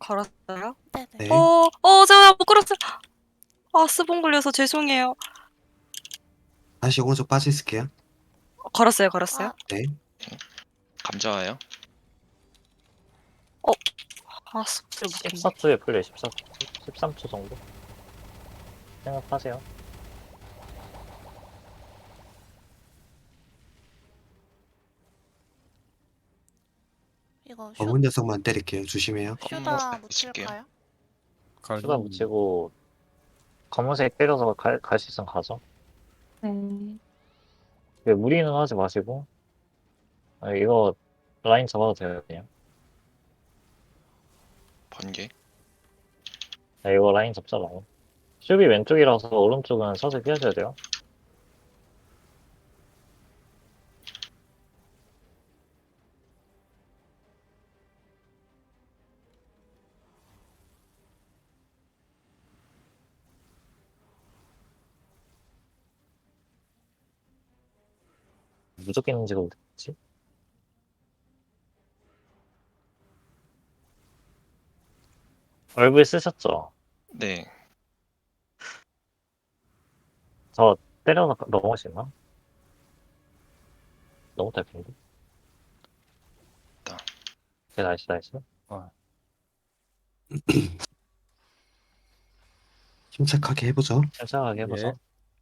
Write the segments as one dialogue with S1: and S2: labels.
S1: 걸었어요?
S2: 네네.
S3: 네.
S1: 제가 못 걸었어요. 아, 스본 걸려서 죄송해요.
S3: 다시 오른쪽 빠져 있을게요.
S1: 걸었어요, 걸었어요.
S2: 아,
S3: 네.
S4: 감자 와요.
S1: 아, 스폰을 못했네.
S5: 14초에 풀려요. 14초. 13초 정도 생각하세요.
S2: 이거
S3: 검은 녀석만 때릴게요. 조심해요.
S2: 슈다
S4: 칠게요.
S2: 묻힐까요?
S5: 수다 붙이고 검은색 때려서 갈 수 있으면 가죠.
S1: 네.
S5: 무리는 하지 마시고. 이거 라인 잡아도 돼요, 그냥.
S4: 번개.
S5: 이거 라인 잡자, 라인. 슈비 왼쪽이라서 오른쪽은 서서히 피하셔야 돼요. 무조건 있는지도 모르겠지. 얼굴 쓰셨죠?
S4: 네.
S5: 저 때려서 넘어갈 수 있나? 너무 짧은데?
S4: 있다.
S5: 네, 나이스, 나이스.
S3: 침착하게 해보죠.
S5: 천천하게 해보죠.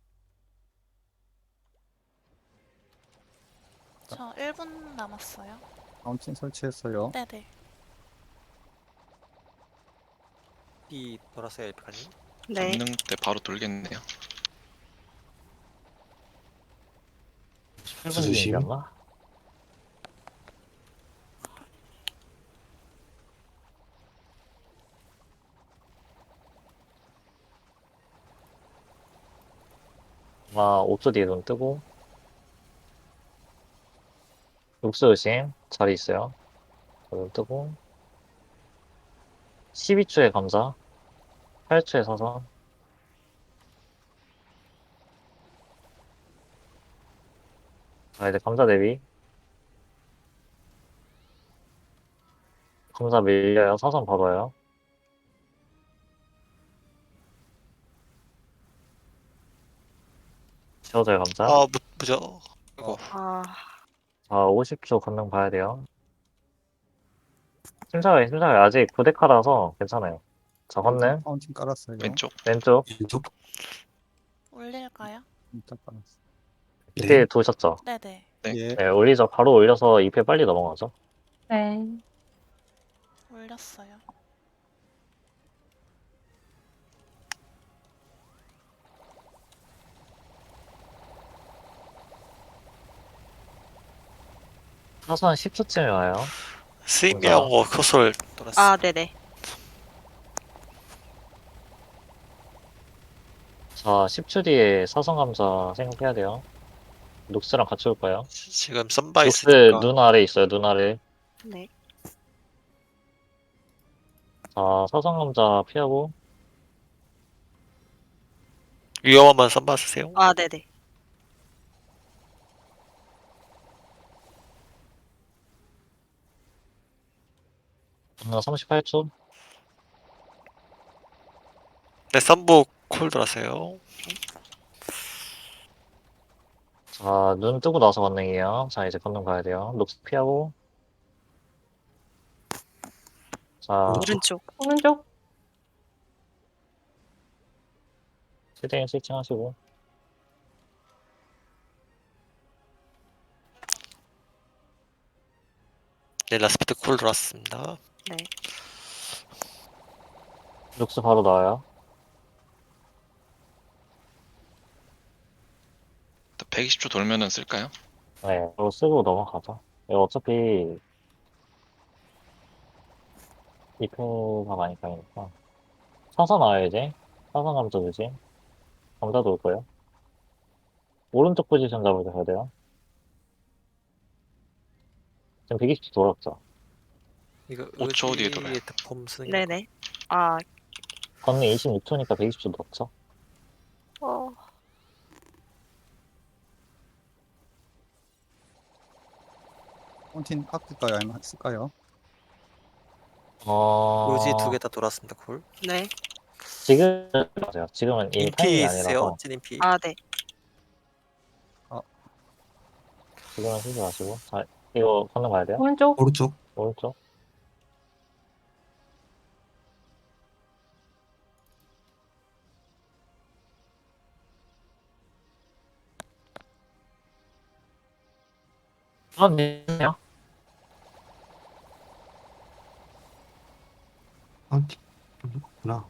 S2: 저 1분 남았어요.
S6: 파운틴 설치했어요.
S2: 네네.
S7: 이 돌았어요, 여기까지.
S1: 네.
S4: 권능 때 바로 돌겠네요.
S5: 8분
S3: 조심.
S5: 얘기였나? 아, 5초 뒤에 눈 뜨고. 육수 의심 자리 있어요. 눈 뜨고. 12초에 감자. 8초에 사선. 자, 이제 감자 대비. 감자 밀려요. 사선 봐봐요. 지워져요, 감자.
S7: 무죠. 이거
S1: 아,
S5: 자, 50초 건능 봐야 돼요. 심사위, 심사위. 아직 9대카라서 괜찮아요. 자, 건능.
S6: 파운틴 깔았어요.
S4: 왼쪽.
S5: 왼쪽.
S3: 왼쪽.
S2: 올릴까요?
S6: 일단 깔았어.
S5: 이때
S3: 네.
S5: 도셨죠?
S2: 네네.
S4: 네.
S6: 예.
S5: 네, 올리죠. 바로 올려서 2패 빨리 넘어가죠.
S1: 네.
S2: 올렸어요.
S5: 사선 10초쯤에 와요.
S7: 스윙하고 코솔 돌았어.
S1: 아, 네네.
S5: 자, 10초 뒤에 사선 감자 생각해야 돼요. 녹스랑 같이 올 거예요.
S7: 지금 썬바
S5: 녹스
S7: 있으니까.
S5: 눈 아래 있어요, 눈 아래.
S1: 네.
S5: 자, 사선 감자 피하고.
S7: 위험하면 썬바 쓰세요.
S1: 아, 네네.
S5: 나 38초.
S7: 네, 썬부 콜 돌았어요.
S5: 자, 눈 뜨고 나서 건능이에요. 자, 이제 건능 가야 돼요. 녹스 피하고. 자,
S1: 오른쪽.
S5: 오른쪽. 최대한 스위칭 하시고.
S7: 네, 라스피드 콜 돌았습니다.
S1: 네.
S5: 녹스 바로 나와요.
S4: 120초 돌면은 쓸까요?
S5: 네, 이거 쓰고 넘어가죠. 이거 어차피 2패가 많이 가니까. 사선 나와요, 이제. 사선 감자 주지. 감자도 올 거예요. 오른쪽 포지션 잡으셔야 돼요. 지금 120초 돌았죠.
S7: 이거
S4: 5초 뒤에 돌아요.
S7: 폼 쓰는 게
S1: 네네. 아,
S5: 건능 26초니까 120초 넣었죠.
S1: 어,
S6: 파운틴 아낄까요? 아니면 쓸까요?
S7: 요지
S5: 어,
S7: 2개 다 돌았습니다. 콜.
S1: 네.
S5: 지금, 맞아요. 지금은 이 타이밍이
S7: 인피 있으세요?
S5: 아니라서,
S7: 찐 인피.
S1: 아, 네.
S5: 지금은 쓰지 마시고. 자, 이거 건너 가야 돼요?
S8: 오른쪽.
S3: 오른쪽.
S5: 오른쪽. 네요.
S3: 파운틴. 그렇구나.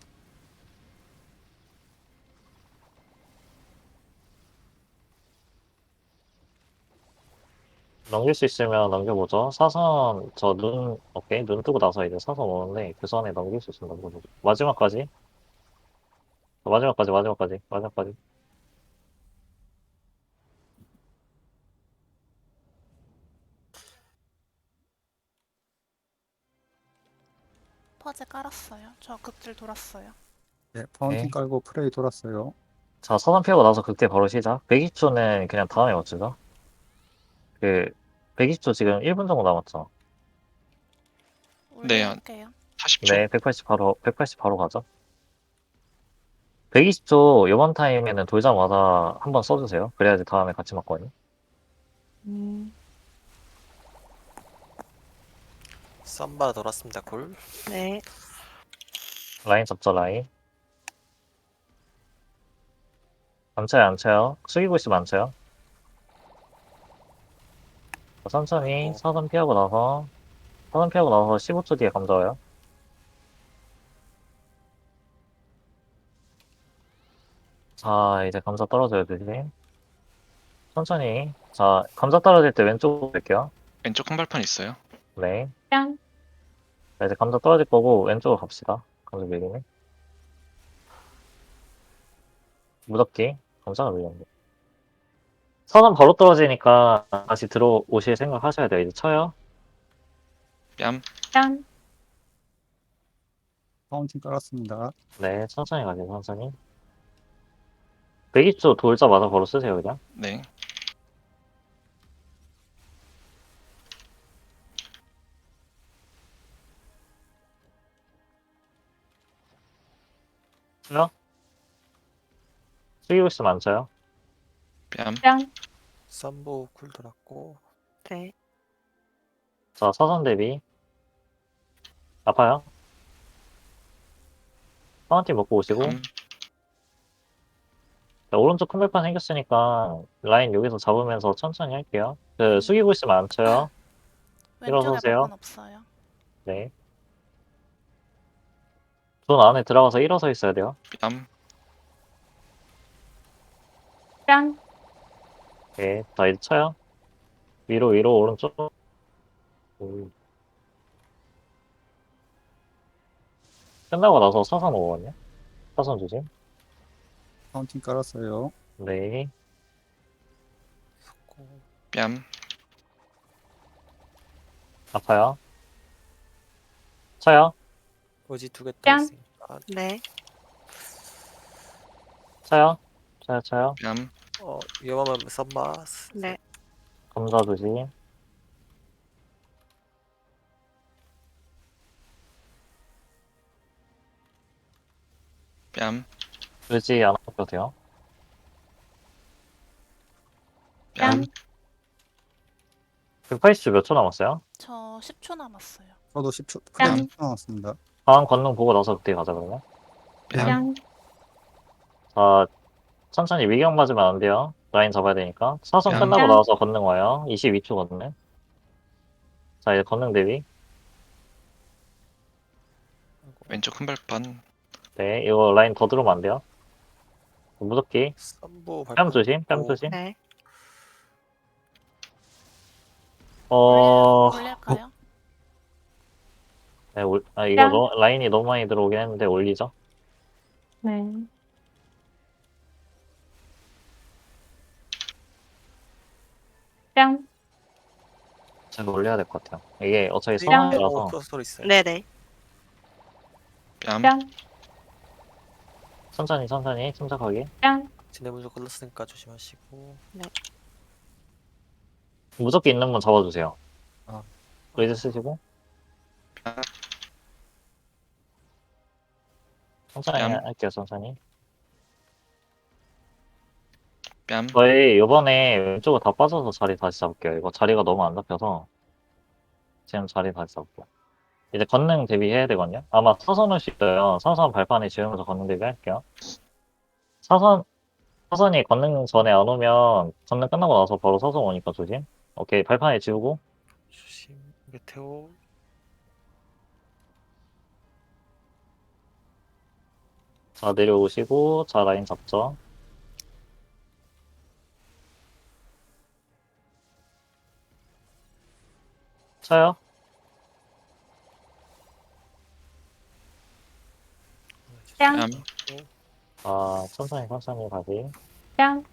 S5: 넘길 수 있으면 넘겨보죠. 사선, 오케이. 눈 뜨고 나서 이제 사선 오는데, 그 선에 넘길 수 있으면 넘겨보죠. 마지막까지. 마지막까지.
S2: 퍼즐 깔았어요. 저 극질 돌았어요.
S6: 네, 파운틴
S5: 네.
S6: 깔고 프레이 돌았어요.
S5: 자, 사선 피하고 나서 극대 바로 시작. 120초는 그냥 다음에 맞추죠. 120초 지금 1분 정도 남았죠.
S4: 네,
S2: 올릴게요.
S4: 40초.
S5: 네, 180 바로 가죠. 120초 요번 타임에는 돌자마자 한번 써주세요. 그래야지 다음에 같이 맞거든요.
S7: 쌈바 돌았습니다. 콜.
S1: 네.
S5: 라인 잡죠, 라인. 안 쳐요. 숙이고 있으면 안 쳐요. 자, 천천히 사선 피하고 나서 15초 뒤에 감자 와요. 자, 이제 감자 떨어져야 되지. 천천히. 자, 감자 떨어질 때 왼쪽으로 갈게요.
S4: 왼쪽 큰 발판 있어요.
S5: 네.
S8: 짠.
S5: 자, 이제 감자 떨어질 거고 왼쪽으로 갑시다. 감자 밀리네. 무섭게 감자가 밀렸네. 선은 바로 떨어지니까 다시 들어오실 생각 하셔야 돼요. 이제 쳐요.
S4: 뺨.
S8: 짠.
S6: 파운틴 깔았습니다.
S5: 네, 천천히 가세요, 천천히. 120초 돌자마자 바로 쓰세요, 그냥.
S4: 네.
S5: 쳐요. 숙이고 있으면 안 쳐요.
S4: 뺨.
S8: 짠.
S7: 쌈보 쿨 돌았고.
S1: 네.
S5: 자, 사선 대비. 아파요. 파운틴 먹고 오시고.
S4: 뺨.
S5: 자, 오른쪽 큰 발판 생겼으니까 라인 여기서 잡으면서 천천히 할게요. 숙이고 있으면 안 쳐요.
S2: 왼쪽에
S5: 일어서세요.
S2: 발판 없어요.
S5: 네. 존 안에 들어가서 일어서 있어야 돼요.
S4: 뺨.
S8: 짠.
S5: 네, 자, 이제 쳐요. 위로, 오른쪽. 끝나고 나서 사선 오거든요. 사선 조심.
S6: 파운틴 깔았어요.
S5: 네.
S4: 뺨.
S5: 아파요. 쳐요.
S7: 요지 2개
S8: 짠.
S7: 돌았으니까.
S1: 네.
S5: 쳐요. 쳐요.
S4: 뺨.
S7: 위험하면 쌈바.
S1: 네.
S5: 감자 조심.
S4: 뺨.
S5: 의지 안 아껴도 돼요.
S4: 뺨.
S5: 180초 몇 초 남았어요?
S2: 저 10초 남았어요.
S6: 저도 10초,
S8: 짠.
S6: 프레이 10초 남았습니다.
S5: 다음 권능 보고 나서 그때 가자, 그러면.
S4: 뺨.
S8: 짠.
S5: 자, 천천히 위경 맞으면 안 돼요. 라인 잡아야 되니까. 사선
S4: 뺨.
S5: 끝나고
S8: 짠.
S5: 나서 권능 와요. 22초 권능. 자, 이제 권능 대비.
S4: 왼쪽 큰 발판.
S5: 네, 이거 라인 더 들어오면 안 돼요. 무섭게.
S7: 쌈보
S5: 뺨
S7: 발판.
S5: 조심, 뺨
S7: 있고.
S5: 조심.
S1: 네.
S2: 올릴까요?
S5: 네, 이거
S8: 짠.
S5: 라인이 너무 많이 들어오긴 했는데 올리죠.
S8: 네. 짠.
S5: 제가 올려야 될 것 같아요. 이게 어차피
S8: 짠.
S5: 상황이라서.
S7: 크로스돌 있어요.
S1: 네네.
S4: 뺨.
S8: 짠.
S5: 천천히, 침착하게.
S8: 짠.
S7: 지네분조 걸렸으니까 조심하시고.
S5: 무섭게 있는 분 잡아주세요.
S6: 아.
S5: 레이즈 쓰시고. 천천히
S4: 뺨.
S5: 할게요, 천천히.
S4: 뺨.
S5: 저희 요번에 왼쪽으로 다 빠져서 자리 다시 잡을게요. 이거 자리가 너무 안 잡혀서 지금 자리 다시 잡고. 이제 걷는 대비해야 되거든요. 아마 사선 올 수 있어요. 사선 발판에 지으면서 걷는 대비 할게요. 사선, 사선이 걷는 전에 안 오면 걷는 끝나고 나서 바로 사선 오니까 조심. 오케이, 발판에 지우고.
S7: 조심. 메테오.
S5: 자, 내려오시고. 자, 라인 잡죠. 쳐요.
S8: 뺨.
S4: 뺨.
S5: 아, 천천히 천천히 다시.
S8: 뺨.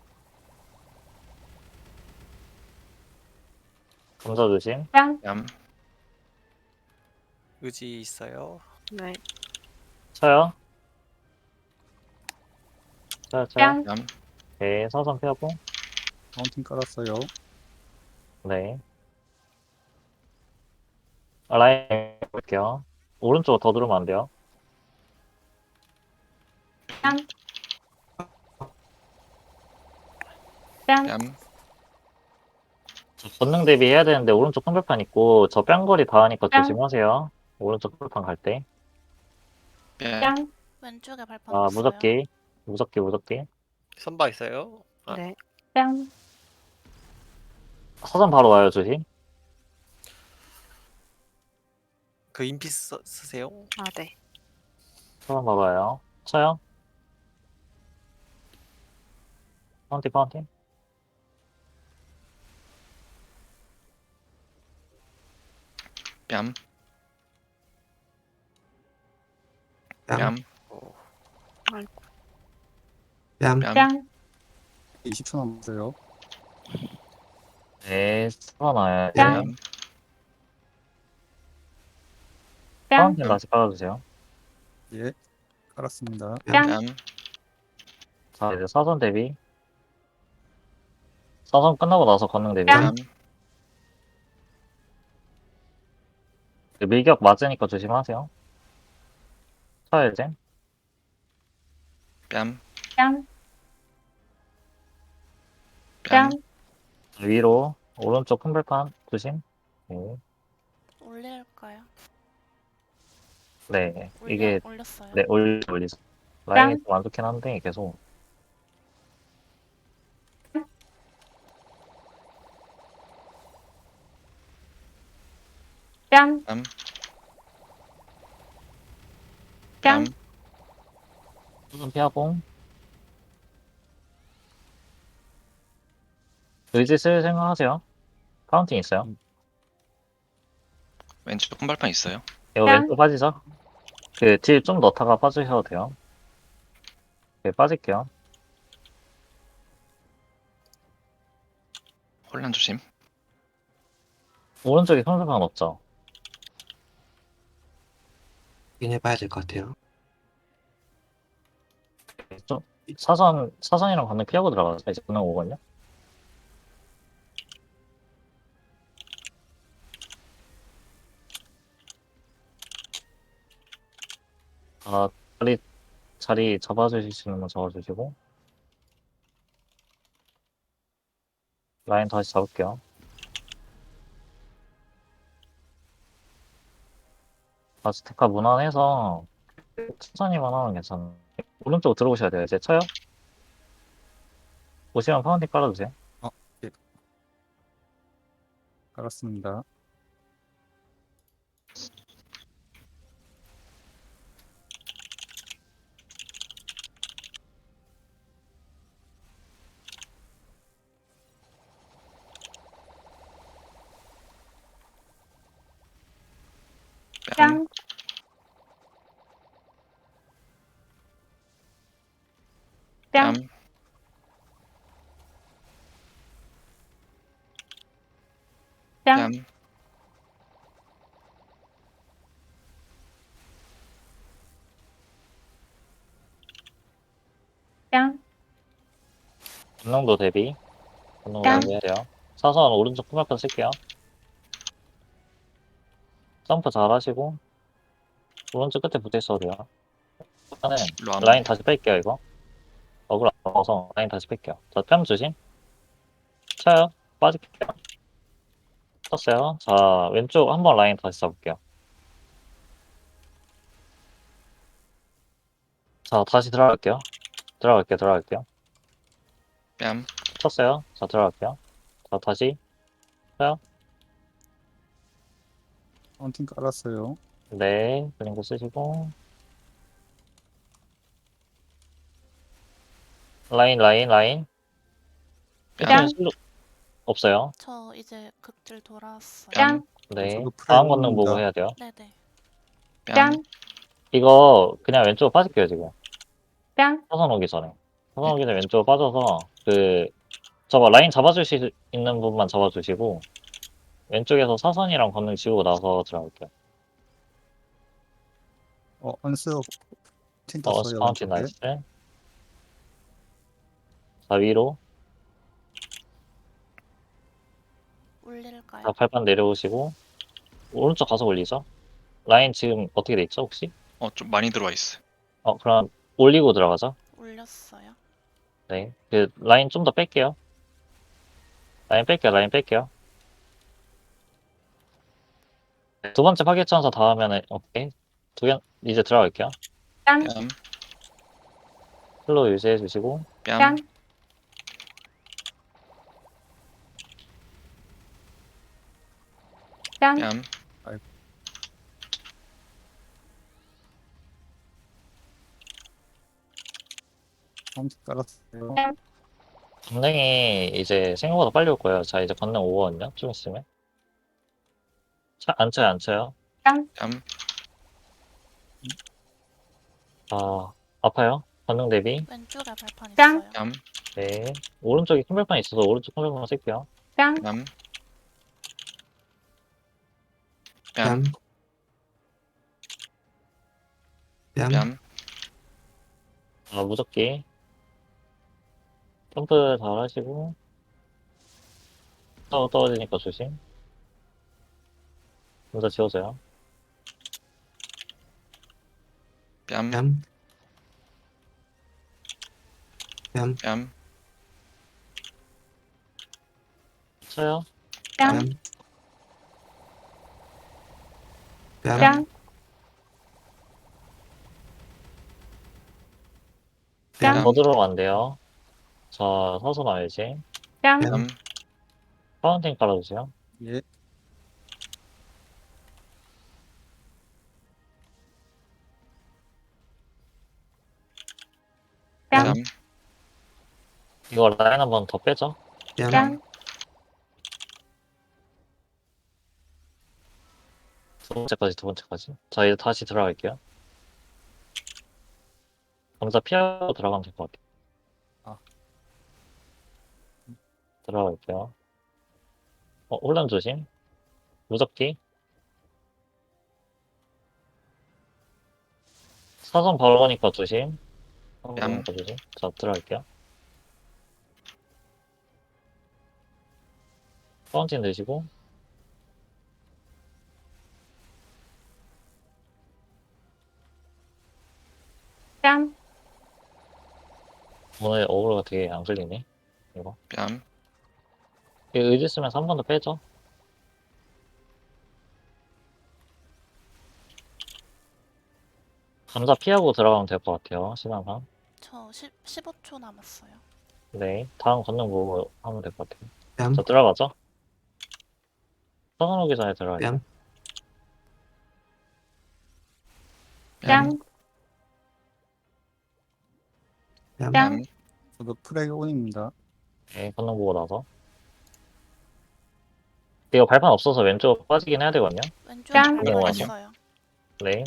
S5: 감자 조심.
S8: 뺨.
S4: 뺨.
S7: 의지 있어요.
S1: 네.
S5: 쳐요. 쳐요, 쳐요.
S8: 뺨.
S4: 뺨.
S5: 오케이, 사선 피하고.
S6: 파운틴 깔았어요.
S5: 네. 라인 볼게요. 오른쪽 더 들어오면 안 돼요.
S8: 뺨. 뺨.
S4: 뺨.
S5: 권능 대비 해야 되는데 오른쪽 큰발판 있고 저 뺨거리 닿으니까
S8: 뺨.
S5: 조심하세요. 오른쪽 큰발판 갈 때.
S4: 뺨.
S8: 뺨.
S2: 왼쪽에 발판
S5: 아,
S2: 없어요.
S5: 무적기. 무적기, 무적기.
S7: 선바 있어요. 아,
S1: 네.
S8: 뺨.
S5: 사선 바로 와요, 조심.
S7: 그 인피 쓰세요.
S1: 아, 네.
S5: 사선 바로 와요. 쳐요. 파운틴, 파운틴.
S4: 뺨.
S3: 뺨.
S4: 뺨.
S3: 뺨.
S4: 뺨.
S8: 뺨.
S6: 20초 남았어요.
S5: 네, 사선 와요.
S8: 뺨.
S4: 뺨.
S8: 뺨.
S5: 파운틴 다시 깔아주세요.
S6: 예. 깔았습니다.
S8: 뺨.
S4: 뺨.
S5: 자, 이제 사선 대비. 사선 끝나고 나서 권능 대비.
S8: 뺨.
S4: 뺨.
S5: 밀격 맞으니까 조심하세요. 쳐요, 이제.
S4: 뺨.
S8: 뺨.
S4: 뺨.
S8: 뺨.
S5: 위로. 오른쪽 큰발판 조심. 네.
S2: 올릴까요?
S5: 네. 이게
S2: 올렸어요.
S5: 네, 올리죠. 라인이 좀 안 좋긴 한데, 계속.
S8: 뺨.
S4: 뺨.
S8: 뺨.
S4: 뺨.
S5: 수준 피하고. 의지 쓸 생각하세요. 파운틴 있어요.
S4: 왼쪽 큰 발판 있어요.
S5: 이거
S8: 뺨.
S5: 왼쪽 빠지죠? 그, 딜 좀 넣다가 빠지셔도 돼요. 네, 빠질게요.
S4: 혼란 조심.
S5: 오른쪽에 평소판 없죠?
S3: 확인해봐야 될 것 같아요.
S5: 좀, 사선이랑 건너 피하고 들어가서 이제 건너 오거든요? 아, 자리 잡아주실 수 있는 건 잡아주시고. 라인 다시 잡을게요. 아즈테카 무난해서 천천히만 하면 괜찮아요. 오른쪽 들어오셔야 돼요. 이제 쳐요? 오시면 파운딩 깔아주세요.
S6: 깔았습니다.
S4: 뺨.
S8: 뺨. 뺨.
S4: 뺨.
S8: 뺨.
S4: 뺨.
S8: 뺨.
S5: 분능도 대비. 분능
S8: 뺨.
S5: 대비해야 돼요. 사선 오른쪽 큰발판 쓸게요. 점프 잘 하시고. 오른쪽 끝에 붙어 있어도 돼요. 하는
S4: 일로 안
S5: 라인 다시 뺄게요, 이거. 어글 안 먹어서 라인 다시 뺄게요. 자, 뺨 조심. 쳐요. 빠질게요. 쳤어요. 자, 왼쪽 한번 라인 다시 잡을게요. 자, 다시 들어갈게요. 들어갈게요.
S4: 뺨.
S5: 쳤어요. 자, 들어갈게요. 자, 다시. 쳐요.
S6: 파운틴 깔았어요.
S5: 네, 그리고 쓰시고. 라인.
S4: 뺨.
S8: 뺨.
S5: 없어요.
S2: 저 이제 극딜 돌아왔어요.
S8: 뺨.
S5: 네.
S6: 저도
S5: 다음 권능 보고
S6: 프라이머입니다.
S5: 해야 돼요.
S2: 네네.
S8: 뺨.
S5: 이거 그냥 왼쪽으로 빠질게요, 지금.
S8: 뺨.
S5: 사선 오기 전에. 사선 오기 전에 왼쪽으로 빠져서 저거 라인 잡아줄 수 있는 분만 잡아주시고 왼쪽에서 사선이랑 권능 지우고 나서 들어갈게요.
S6: 안스 파운틴
S5: 어,
S6: 떴어요.
S5: 파운틴
S6: 왼쪽에.
S5: 나이스. 자, 위로.
S2: 올릴까요?
S5: 자, 발판 내려오시고 오른쪽 가서 올리죠. 라인 지금 어떻게 돼 있죠, 혹시?
S4: 좀 많이 들어와 있어요.
S5: 그럼 올리고 들어가죠.
S2: 올렸어요.
S5: 네. 라인 좀 더 뺄게요. 라인 뺄게요. 네, 두 번째 파괴천사 다 하면은, 오케이. 이제 들어갈게요.
S8: 뺨.
S4: 뺨.
S5: 슬로우 유지해 주시고,
S4: 뺨.
S8: 뺨. 뺨.
S4: 뺨.
S6: 파운틴 깔았어요.
S5: 권능이 이제 생각보다 빨리 올 거예요. 자, 이제 권능 오거든요. 좀 있으면. 안 쳐요.
S4: 뺨.
S5: 아파요. 권능 대비.
S2: 왼쪽에 발판
S8: 짱.
S2: 있어요.
S4: 뺨.
S5: 네. 오른쪽에 큰 발판 있어서 오른쪽 큰 발판 쓸게요.
S8: 뺨.
S4: 뺨.
S3: 뺨.
S4: 뺨.
S3: 뺨.
S4: 뺨.
S5: 무적기. 점프 잘 하시고. 떨어지니까 조심. 먼저 지워져요.
S4: 뺨.
S3: 뺨. 뺨.
S4: 뺨.
S5: 쳐요.
S8: 뺨.
S3: 뺨. 뺨.
S8: 뺨.
S3: 뺨.
S5: 더 들어가면 안 돼요. 자, 사선 알지?
S8: 뺨.
S4: 뺨.
S5: 파운틴 깔아주세요.
S6: 예.
S8: 뺨.
S4: 뺨.
S5: 이거 라인 한 번 더 빼죠.
S3: 뺨.
S8: 뺨.
S5: 두 번째까지. 자, 이제 다시 들어갈게요. 감자 피하고 들어가면 될 것 같아요. 들어갈게요. 혼란 조심. 무적기. 사선 바로 가니까 조심. 사선 바로 가니까 조심. 자, 들어갈게요. 파운틴 드시고.
S8: 뺨.
S5: 오늘 어그로가 되게 안 걸리네. 이거.
S4: 뺨.
S5: 이거 의지 쓰면서 한 번 더 빼죠. 감자 피하고 들어가면 될 것 같아요. 시간상.
S2: 저 15초 남았어요.
S5: 네. 다음 권능 보고 하면 될 것 같아요.
S3: 뺨.
S5: 자, 들어가죠. 사선 오기 전에 들어갈게요.
S3: 뺨.
S8: 뺨.
S3: 뺨.
S8: 뺨.
S6: 저도 프레이 온입니다.
S5: 네, 권능 보고 나서. 이거 발판 없어서 왼쪽 빠지긴 해야 되거든요.
S2: 왼쪽에
S8: 짱.
S2: 발판
S5: 올라가죠.
S2: 있어요.
S5: 네.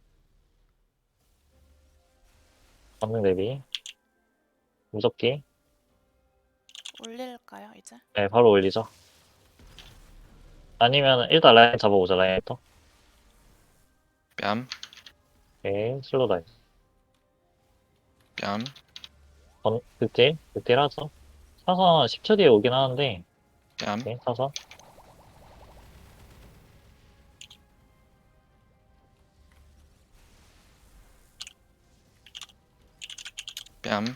S5: 권능 대비. 무적기.
S2: 올릴까요 이제?
S5: 네, 바로 올리죠. 아니면 일단 라인 잡아보자, 라인부터.
S4: 뺨.
S5: 네, 슬로우 다이.
S4: 뺨.
S5: 극딜 하죠. 사선 10초 뒤에 오긴 하는데,
S4: 뺨.
S5: 네, 사선.
S4: 뺨.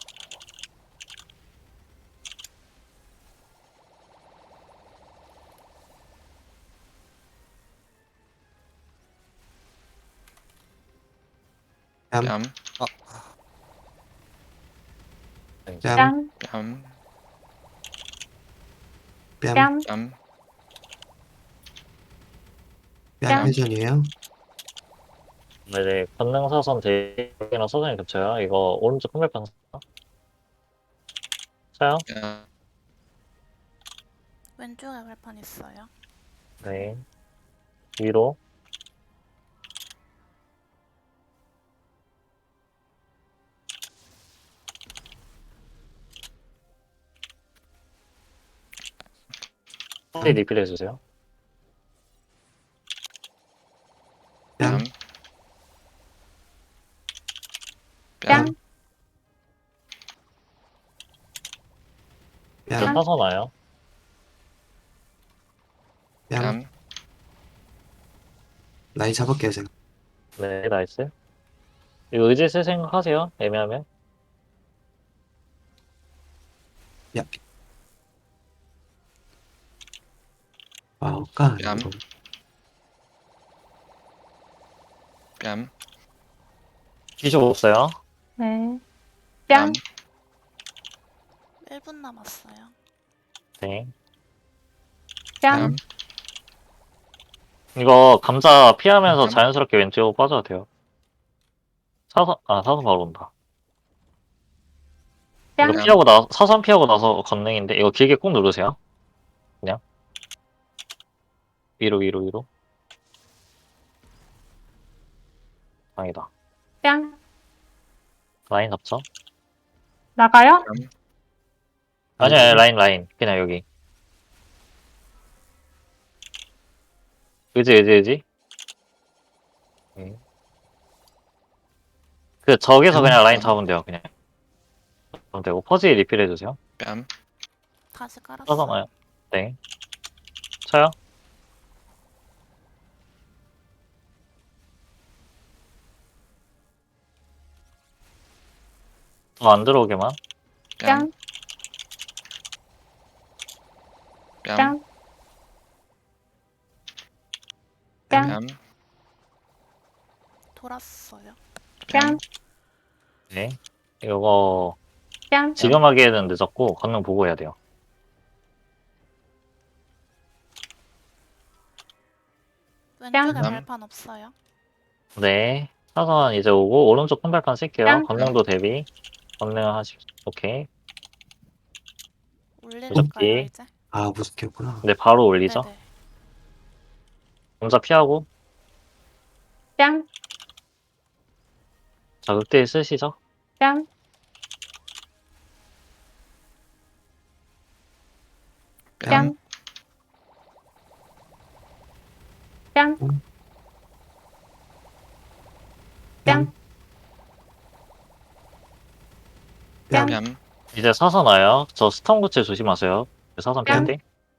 S3: 뺨.
S4: 뺨.
S3: 뺨.
S8: 뺨,
S4: 뺨.
S3: 뺨.
S8: 뺨,
S4: 뺨.
S3: 뺨 회전이에요.
S5: 네네. 건능 사선 대기랑 사선이 겹쳐요. 이거 오른쪽 큰발판 쳐요.
S4: 뺨.
S2: 왼쪽에 발판 있어요.
S5: 네. 위로. 네, 리필 해주세요.
S3: 뺨.
S4: 뺨.
S8: 뺨,
S5: 저
S3: 뺨.
S5: 사선 와요.
S3: 뺨.
S4: 뺨.
S3: 라인 잡을게요, 제가.
S5: 네, 나이스. 이거 의지 쓸 생각하세요. 애매하면.
S3: 야. 와우, 까.
S4: 뺨.
S3: 이거.
S4: 뺨.
S5: 기쇼 없어요.
S8: 네.
S4: 뺨.
S8: 뺨,
S2: 1분 남았어요.
S5: 네.
S8: 뺨,
S4: 뺨.
S5: 이거 감자 피하면서
S4: 뺨.
S5: 자연스럽게 왼쪽으로 빠져도 돼요. 사선 바로 온다. 이거
S8: 뺨,
S5: 피하고 사선 피하고 나서 건능인데, 이거 길게 꾹 누르세요. 그냥. 위로. 다행이다.
S8: 뺨.
S5: 라인 잡죠?
S8: 나가요?
S4: 뺨.
S5: 아니야, 라인. 그냥 여기. 의지. 그, 저기서 그냥 라인 잡으면 돼요, 그냥. 그럼 되고, 퍼지 리필 해주세요.
S4: 뺨.
S2: 다시 깔았어요.
S5: 사선 네. 쳐요? 더 안 들어오게만.
S4: 뺨.
S8: 뺨,
S4: 뺨.
S8: 뺨,
S4: 뺨.
S2: 돌았어요.
S8: 뺨,
S5: 네. 이거,
S8: 뺨,
S5: 지금 하기에는 늦었고, 건능 보고 해야 돼요.
S2: 왼쪽에
S8: 뺨.
S2: 발판 없어요.
S5: 네. 사선 이제 오고, 오른쪽 큰 발판 쓸게요.
S8: 뺨.
S5: 건능도 대비. 건능 오케이.
S2: 올릴까요,
S5: 오케이.
S2: 이제?
S3: 아, 무섭겠구나.
S5: 네, 바로 올리죠.
S2: 네네.
S5: 검사 피하고,
S8: 뺨,
S5: 자, 극딜 쓰시죠.
S8: 뺨,
S4: 뺨.
S8: 뺨, 뺨, 뺨,
S4: 뺨.
S5: 이제 사선 와요. 저 스턴 구체 조심하세요. 사선
S8: 뺨.
S5: 피할 때.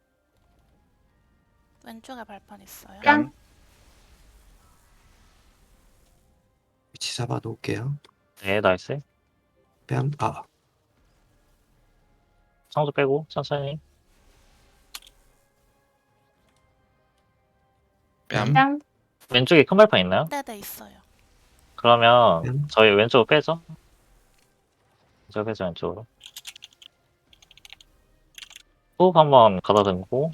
S2: 왼쪽에 발판 있어요.
S8: 뺨,
S3: 위치 잡아 놓을게요.
S5: 네, 나이스.
S3: 뺨. 아,
S5: 창조 빼고, 천천히.
S4: 뺨.
S8: 뺨,
S5: 왼쪽에 큰 발판 있나요?
S2: 네네, 있어요.
S5: 그러면
S3: 뺨.
S5: 저희 왼쪽으로 빼죠. 왼쪽으로. 호흡 한번 가다듬고.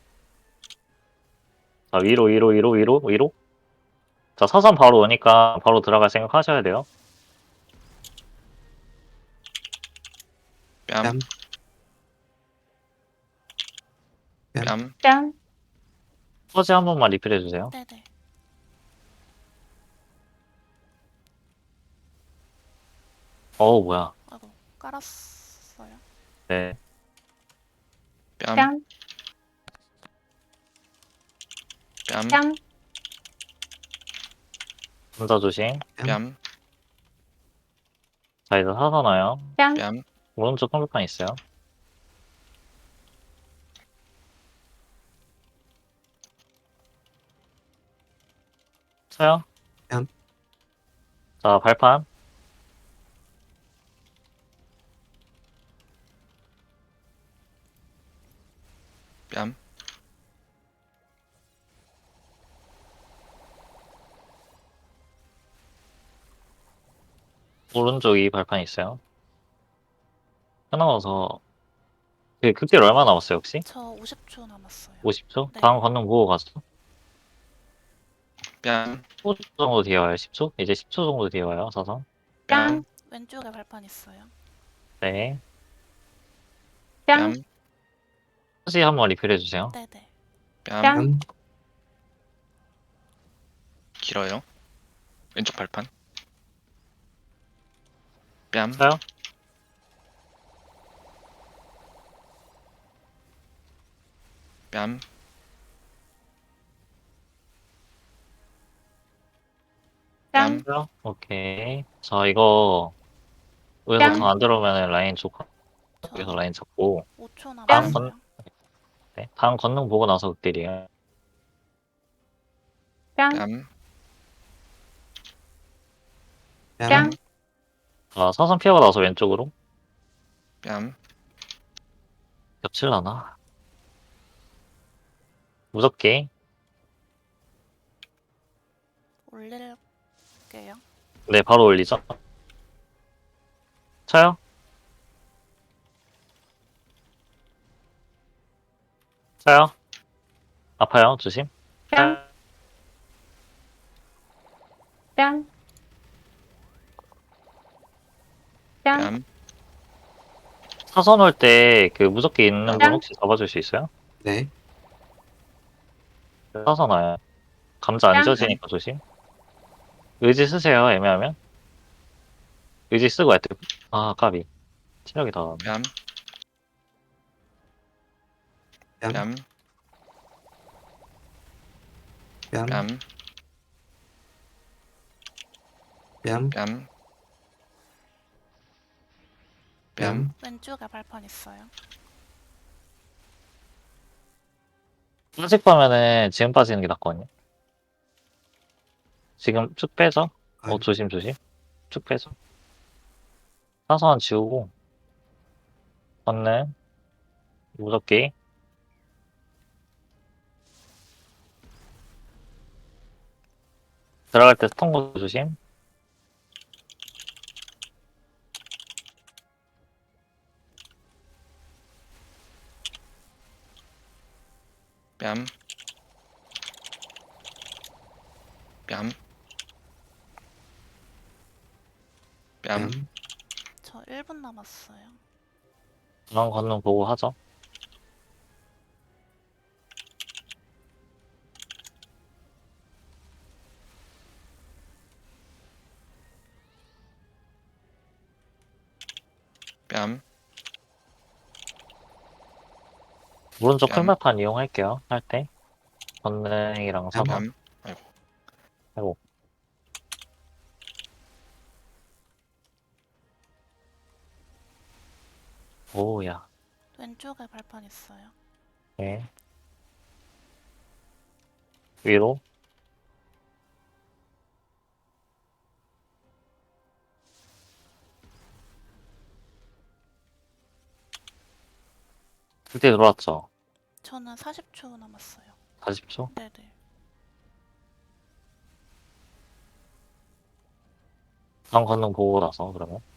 S5: 자, 위로. 자, 사선 바로 오니까 바로 들어갈 생각 하셔야 돼요.
S4: 뺨.
S3: 뺨.
S4: 뺨.
S8: 뺨,
S5: 퍼지 한 번만 리필 해주세요.
S2: 네네.
S5: 어우, 뭐야.
S2: 아이고, 깔았어요.
S5: 네.
S4: 뺨.
S8: 뺨,
S4: 뺨.
S8: 뺨,
S5: 감자 조심.
S4: 뺨.
S5: 자, 이제 사선 와요.
S8: 뺨,
S4: 뺨.
S5: 오른쪽 큰 발판 있어요. 쳐요.
S3: 뺨.
S5: 자, 발판.
S4: 뺨,
S5: 오른쪽이 발판 있어요. 끝나서 그 극딜 얼마 남았어요 혹시?
S2: 저 50초 남았어요.
S5: 50초?
S2: 네.
S5: 다음 건능 보고 가죠.
S4: 뺨,
S5: 10초 정도 뒤에 와요. 10초? 이제 10초 정도 뒤에 와요. 사선.
S4: 뺨,
S2: 왼쪽에 발판 있어요.
S5: 네.
S8: 뺨.
S4: 뺨,
S5: 다시 한번 리필 해주세요.
S2: 네네.
S4: 뺨,
S3: 뺨.
S4: 길어요. 왼쪽 발판. 뺨,
S5: 쳐요?
S4: 뺨,
S8: 뺨.
S5: 쳐요? 오케이. 자, 이거 여기서
S8: 뺨.
S5: 강 안 들어오면 라인 쪽
S2: 저
S5: 여기서 라인 잡고
S2: 5초
S5: 뺨.
S2: 남았어요.
S5: 네. 다음 건능 보고 나서 극딜이에요.
S8: 뺨.
S4: 뺨,
S8: 뺨.
S5: 자, 사선 피하고 나서 왼쪽으로
S4: 뺨,
S5: 겹칠라나? 무섭게.
S2: 올릴게요.
S5: 네, 바로 올리죠. 쳐요? 쳐요? 아파요, 조심.
S8: 뺨. 뺨. 뺨.
S4: 뺨,
S5: 사선 올 때 그 무섭게 있는 분
S8: 뺨.
S5: 혹시 잡아줄 수 있어요?
S3: 네.
S5: 사선 와요. 감자 안
S8: 뺨.
S5: 지워지니까 조심. 의지 쓰세요, 애매하면. 의지 쓰고 애들. 아, 까비. 체력이 다.
S4: 뺨,
S3: 뺨.
S4: 뺨,
S3: 뺨.
S4: 뺨,
S3: 뺨.
S4: 뺨, 뺨,
S3: 뺨.
S2: 왼쪽에 발판 있어요.
S5: 빠질 거면은 지금 빠지는 게 낫거든요. 지금 쭉 빼죠.
S3: 아유.
S5: 조심, 조심. 쭉 빼죠. 사선 지우고. 건능. 무섭게. 들어갈 때 스턴 거 조심.
S4: 뺨, 뺨, 뺨,
S3: 뺨.
S2: 저 1분 남았어요.
S5: 다음 건능 보고 하죠.
S4: 뺨,
S5: 오른쪽
S4: 뺨.
S5: 큰발판 이용할게요. 할 때. 건능이랑
S3: 뺨.
S5: 사선.
S4: 뺨,
S5: 아이고. 오야.
S2: 왼쪽에 발판 있어요.
S5: 네. 위로. 그때 들어왔죠.
S2: 저는 40초 남았어요.
S5: 40초.
S2: 네네.
S5: 다음 건능 보고 나서 그러면.